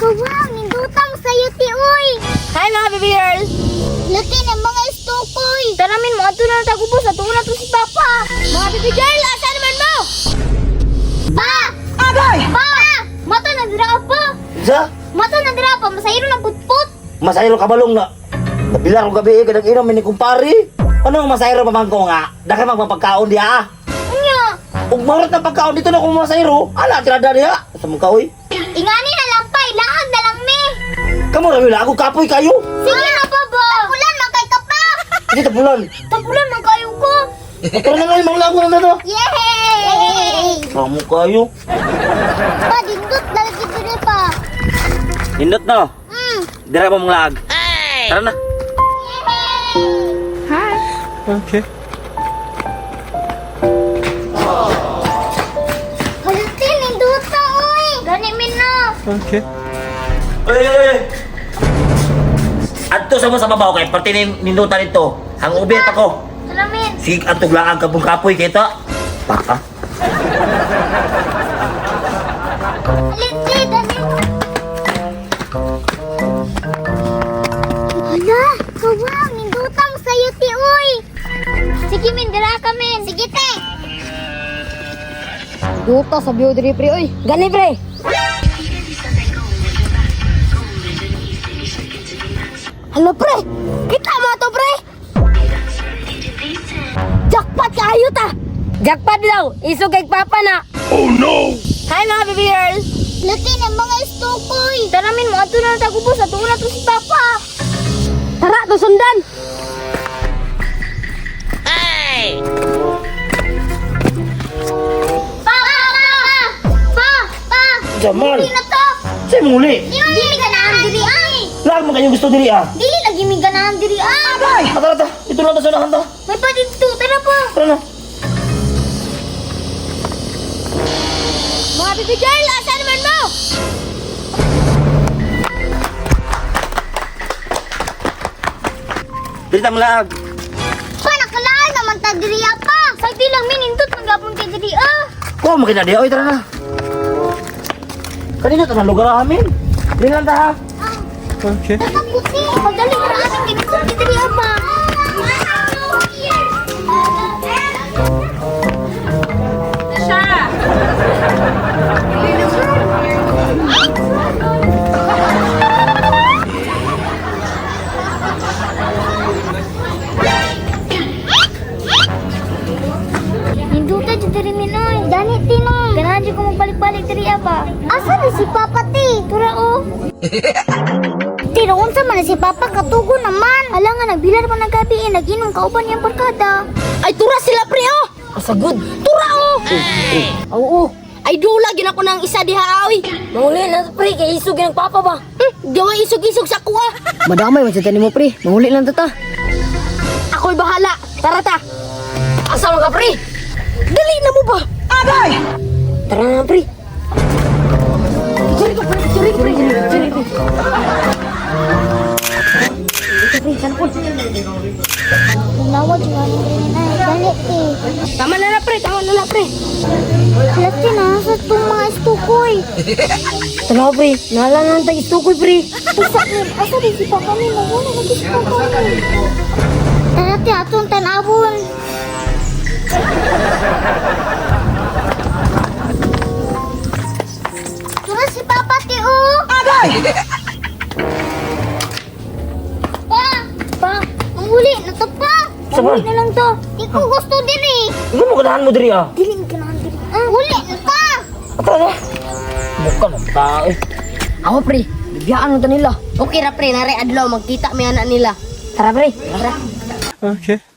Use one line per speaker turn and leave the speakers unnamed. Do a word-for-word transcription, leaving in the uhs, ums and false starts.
Kawang, nindutang sa'yo ti uy.
Hi mga baby girl!
Laki ng mga istukoy.
Taramin mo, ato na tagubos, ato na to si Papa! Mga baby girl, asa naman mo?
Pa!
Agay!
Pa! Mata na dira pa.
Sa?
Mata na dira pa, masayro ng putput.
Masayro ka balong na. Nabilang ko gabi, kadang inom, ni kumpari. Ano ang masayro pa man ko nga? Dahil magpapagkaon diya ah.
Unya,
Kung marot na pagkaon dito na kung masayro, ala, tirada diya. Sa mga kaoy.
ingani na lang pa, ilaag na lang me.
Kamu na wala, ako kapoy kayo.
Sige na pa ba? Tapulan, magkay ka pa.
Hindi tapulan.
Tapulan, magkayo ko.
Pero na ngayon, mga lang na to.
Yay!
Kamu kayo.
Pa, dindot, lagi diri pa.
Hindot na.
Hmm.
Dira mo mga lag. Tara na.
Hi!
Okay.
Halitin, ninduta, uy. Gani min na.
Okay. Oy, oy, oy. Adto sa mo sa babaw kay parte ni nindutan ito. Ang ubit ako.
Salamin.
Sig atog laang kabung kapoy kay ta. Baka.
Halitin, dali. Hala, kawang, nindutang sa'yo ti uy. Sige, min, dira ka min. Sige, te.
Duta sa biyo diri pre, oy! Gani pre! Hala pre! Kita mo to pre! Jackpot kayo ta! Jackpot daw! Isog kay Papa na! Oh no! Hi mga baby girl!
Laki ng mga istukoy.
Taramin mo, ato na tagubos, ato na to si Papa! Tara, to sundan!
Pa, pa, pa. Pa, pa.
Jamal.
Hindi na to.
Say muli.
Dili ganahan diri ay.
Lag mo kayong gusto diri ah.
Dili lagi mi ganahan diri ay.
Ay, tara ta. Ito lang ta sa unahan ta.
May pa dito, tara pa.
Tara na.
Mga baby girl, asa naman mo?
Diri ta malag.
Pa, nakalaan naman ta diri pa.
Sagdi lang minindot, magapon kay diri ah!
Ko mo kina di. Oy, tara na. Kanina ta na lugar amin. Diri lang ta ha. Okay.
Taputi. Madali ra amin ginito diri pa. Ninduta di diri minoy. Dani tinong.
Ganahan dyan ko magbalik-balik diri apa?
Asa na si Papa ti?
Tura oh!
Tira unsa man na si Papa katugo naman.
Ala nga, nagbilar pa ng gabi eh, nag-inom kauban niyang barkada. Ay, tura sila pre oh! Asagod! Tura oh! Oo, oh, ay dula gin ako ng isa diha awi. Mahuli na pre, kay isog ng Papa ba? Hmm, gawa isog-isog sa kuha.
Madamay man sa tanim mo, pre. Mahuli lang tata.
Ako'y bahala. Tara ta. Asa ka pre? Dali na mo ba?
Agay!
Tara na, pre.
Sorry ka pre, sorry pre, sorry pre.
Nawag yung ano rin na. Dali ti.
Tama na na pre, tama na na pre.
Lati na sa itong mga istukoy.
Tala, pre. Nahala na ang tag-istukoy, pre.
Isa rin. Asa din si Papa ni Nawala lagi si Papa ni. Tara ti atong tanabon. Tura si Papa ti o.
Agay!
Pa! Pa! Ang huli na to pa!
Saan?
Huli na lang to. Di ko gusto din eh.
Ikaw mo ganahan mo diri ah.
Dili ka na din. Ang huli na ta!
Tara na. Mukha ng tao eh.
Ako, pre. Bibiyaan mo to nila.
Okay ra pre, nare adlaw magkita may anak nila.
Tara, pre.
Tara.
Okay.